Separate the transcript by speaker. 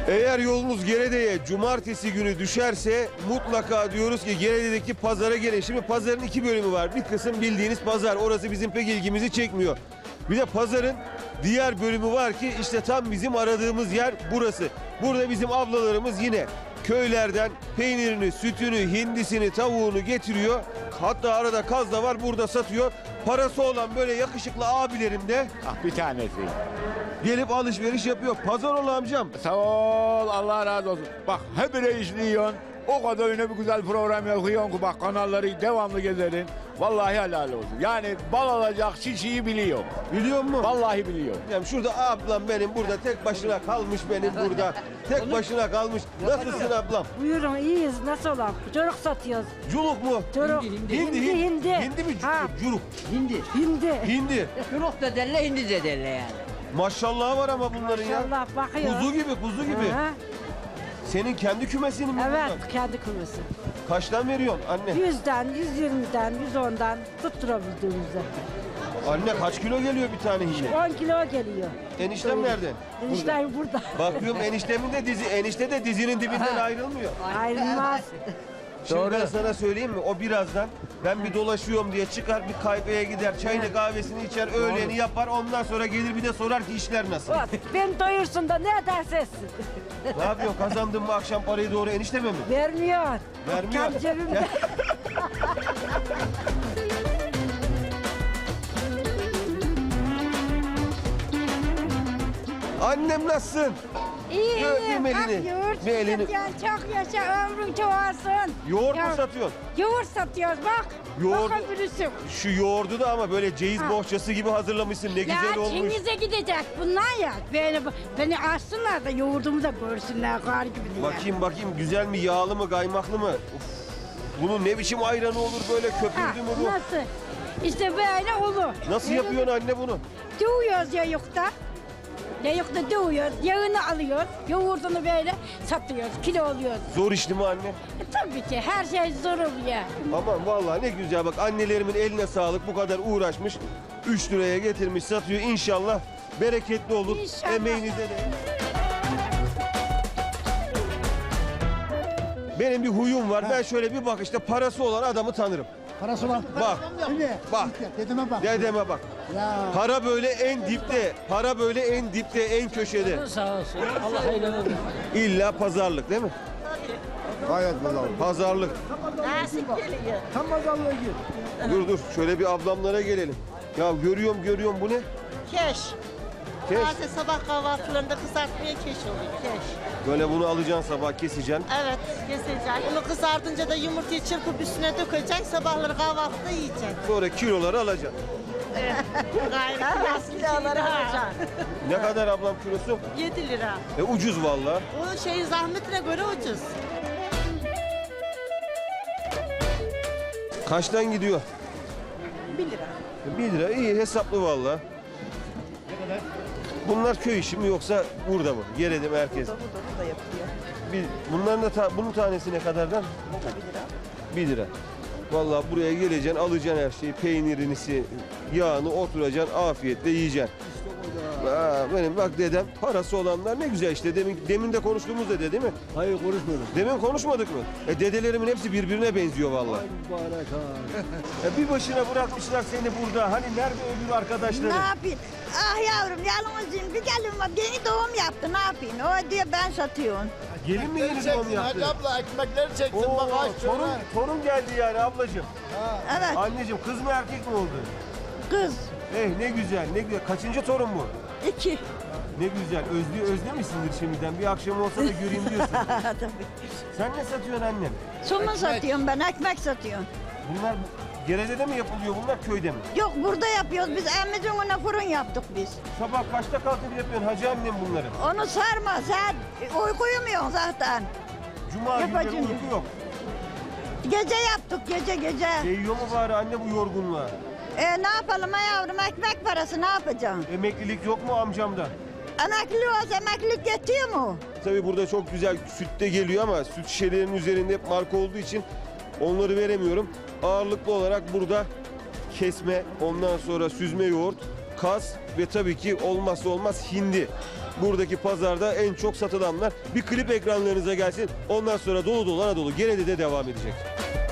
Speaker 1: Eğer yolunuz Gerede'ye cumartesi günü düşerse mutlaka diyoruz ki Gerede'deki pazara gelin. Şimdi pazarın iki bölümü var. Bir kısım bildiğiniz pazar. Orası bizim pek ilgimizi çekmiyor. Bir de pazarın diğer bölümü var ki işte tam bizim aradığımız yer burası. Burada bizim ablalarımız yine köylerden peynirini, sütünü, hindisini, tavuğunu getiriyor. Hatta arada kaz da var, burada satıyor. Parası olan böyle yakışıklı abilerim de
Speaker 2: Bir tanesi.
Speaker 1: gelip alışveriş yapıyor. Pazar ol amcam.
Speaker 2: Sağ ol, Allah razı olsun. Bak hep izliyorsun. O kadar öyle bir güzel program yapıyorsun ki bak kanalları devamlı gezerin. Vallahi helal olsun. Yani bal alacak çiçeği biliyor.
Speaker 1: Biliyor musun?
Speaker 2: Vallahi biliyor.
Speaker 1: Yani şurada ablam benim burada tek başına kalmış benim burada. Tek başına kalmış. Nasılsın ablam?
Speaker 3: Buyurun iyiyiz nasıl olalım? Çocuk satıyoruz.
Speaker 1: Culuk mu?
Speaker 3: Çocuk.
Speaker 1: Hindi.
Speaker 3: Hindi.
Speaker 1: Mi?
Speaker 3: Ha.
Speaker 1: Culuk.
Speaker 3: Hindi.
Speaker 1: Hindi.
Speaker 4: Çuruk da derler, hindi de derler yani.
Speaker 1: Maşallah var ama bunların ya.
Speaker 3: Allah bakıyor.
Speaker 1: Kuzu gibi.
Speaker 3: Ha,
Speaker 1: Senin kendi kümesinin mi
Speaker 3: evet
Speaker 1: bunlar?
Speaker 3: kendi kumrusu.
Speaker 1: Kaçtan veriyorsun anne?
Speaker 3: 100'den, 120'den, 110'dan tutturabildiğimizde.
Speaker 1: Anne kaç kilo geliyor bir tane hindi?
Speaker 3: 10 kilo geliyor.
Speaker 1: Eniştem nerede?
Speaker 3: Enişten burada.
Speaker 1: Bakıyorum eniştemin de enişte de dizinin dibinden ayrılmıyor.
Speaker 3: Ayrılmaz.
Speaker 1: Şimdi ben sana söyleyeyim mi? O birazdan ben bir dolaşıyorum diye çıkar bir kahveye gider, çayını kahvesini içer, öğleni yapar. Ondan sonra gelir bir de sorar ki işler nasıl?
Speaker 3: Beni doyursun da ne ederse etsin.
Speaker 1: Ne yapıyorsun? Kazandın mı akşam parayı doğru enişteme mi?
Speaker 3: Vermiyor.
Speaker 1: Vermiyor.
Speaker 3: Kendi cebimde.
Speaker 1: Annem nasılsın?
Speaker 5: İyi,
Speaker 1: Öpeyim elini.
Speaker 5: bak yoğurt
Speaker 1: Bir elini.
Speaker 5: satıyorsun, çok yaşa, ömrün çoğalsın.
Speaker 1: Yoğurt mu
Speaker 5: Ya-
Speaker 1: satıyorsun?
Speaker 5: Yoğurt satıyoruz bak.
Speaker 1: Yoğurdu-
Speaker 5: Bakabilirsin.
Speaker 1: Şu yoğurdu da ama böyle ceyiz
Speaker 5: Ha.
Speaker 1: bohçası gibi hazırlamışsın. Ne
Speaker 5: Ya
Speaker 1: güzel olmuş.
Speaker 5: Çingiz'e gidecek bunlar ya. Beni açsınlar da yoğurdumu da görsünler kar gibi diye.
Speaker 1: Bakayım güzel mi, yağlı mı, kaymaklı mı? Uf. Bunun ne biçim ayranı olur böyle
Speaker 5: Ha,
Speaker 1: köpürdü mü bu?
Speaker 5: nasıl? İşte böyle olur.
Speaker 1: Nasıl yapıyorsun anne bunu?
Speaker 5: Dövüyoruz yayıkta. Yayıkta dövüyoruz, yağını alıyoruz, yoğurdunu böyle satıyoruz, kilo alıyoruz.
Speaker 1: Zor işli mi anne?
Speaker 5: Tabii ki her şey zor oluyor.
Speaker 1: Aman vallahi ne güzel bak annelerimin eline sağlık bu kadar uğraşmış. 3 liraya getirmiş satıyor inşallah bereketli olur.
Speaker 5: İnşallah.
Speaker 1: Emeğinize de. Benim bir huyum var. Ben şöyle bir bakışta parası olan adamı tanırım.
Speaker 6: Parası olan.
Speaker 1: Bak.
Speaker 6: Şimdi.
Speaker 1: Bak.
Speaker 6: Dedeme bak.
Speaker 1: Dedeme bak.
Speaker 6: Ya.
Speaker 1: Para böyle en dipte. Para böyle en dipte, en köşede.
Speaker 4: Sağ olsun. Allah hayırlı olsun.
Speaker 1: İlla pazarlık değil mi?
Speaker 6: Gayet pazarlık.
Speaker 1: Pazarlık.
Speaker 6: Tam pazarlığa gir.
Speaker 1: Dur şöyle bir ablamlara gelelim. Ya görüyorum bu ne?
Speaker 7: Keş.
Speaker 1: Keş.
Speaker 7: Taze sabah kahvaltılarında kızartmaya keş oluyor. Keş.
Speaker 1: Böyle bunu alacaksın sabah keseceksin.
Speaker 7: Evet, keseceksin. Bunu kızartınca da yumurtayı çırpıp üstüne dökeceksin. Sabahları kahvaltıda yiyeceksin.
Speaker 1: Sonra kiloları alacaksın.
Speaker 7: Gayet kiloları alacaksın.
Speaker 1: Ne kadar ablam kilosu?
Speaker 7: 7 lira.
Speaker 1: Ucuz vallahi.
Speaker 7: O şeyin zahmetine göre ucuz.
Speaker 1: Kaçtan gidiyor?
Speaker 7: 1 lira.
Speaker 1: 1 lira iyi hesaplı vallahi. Bunlar köy işi mi yoksa burada mı? Gerede merkez.
Speaker 7: Burada yapılıyor.
Speaker 1: Bunların da bunun tanesi ne kadardan? 1 lira. Vallahi buraya geleceksin, alacaksın her şeyi, peynirini, yağını oturacaksın, afiyetle yiyeceksin. Benim bak dedem parası olanlar ne güzel işte. Demin de konuştuğumuz dede değil mi?
Speaker 6: Hayır konuşmuyorum.
Speaker 1: Demin konuşmadık mı? Dedelerimin hepsi birbirine benziyor vallahi.
Speaker 6: Mübarek ha.
Speaker 1: Bir başına bırakmışlar seni burada. Hani nerede öbür arkadaşları?
Speaker 8: Ne yapayım? Ah yavrum yalnızım bir gelin var yeni doğum yaptı ne yapayım? O diyor ben satıyorum.
Speaker 1: Gelin mi yeni doğum yaptı?
Speaker 6: abla ekmekleri çeksin
Speaker 1: Oo,
Speaker 6: bak aç
Speaker 1: torun geldi yani ablacığım.
Speaker 8: Evet
Speaker 1: Anneciğim kız mı erkek mi oldu?
Speaker 8: kız
Speaker 1: Ne güzel ne güzel. Kaçıncı torun bu?
Speaker 8: 2.
Speaker 1: Ne güzel. Özlemişsindir şimdiden. Bir akşam olsa da göreyim diyorsun. Sen ne satıyorsun annem?
Speaker 8: Somun satıyorum ben ekmek satıyorum.
Speaker 1: Bunlar Gerede'de mi yapılıyor bunlar köyde mi?
Speaker 8: Yok burada yapıyoruz biz emmizin önüne fırın yaptık biz.
Speaker 1: Sabah kaçta kalkıp yapıyorsun hacı annem bunları?
Speaker 8: Onu sarma sen uyku uyumuyorsun zaten.
Speaker 1: Cuma günleri
Speaker 8: Yapacağım.
Speaker 1: uyku yok.
Speaker 8: Gece yaptık gece.
Speaker 1: Değiyor mu bari anne bu yorgunluğa?
Speaker 8: Ne yapalım ha yavrum ekmek parası ne yapacaksın?
Speaker 1: Emeklilik yok mu amcamda?
Speaker 8: Emekli olsa emeklilik yetiyor mu?
Speaker 1: Tabii burada çok güzel süt de geliyor ama süt şişelerinin üzerinde hep marka olduğu için onları veremiyorum. Ağırlıklı olarak burada kesme, ondan sonra süzme yoğurt, kaz ve tabii ki olmazsa olmaz hindi. Buradaki pazarda en çok satılanlar. Bir klip ekranlarınıza gelsin. Ondan sonra dolu dolu Anadolu Gerede'de devam edecek.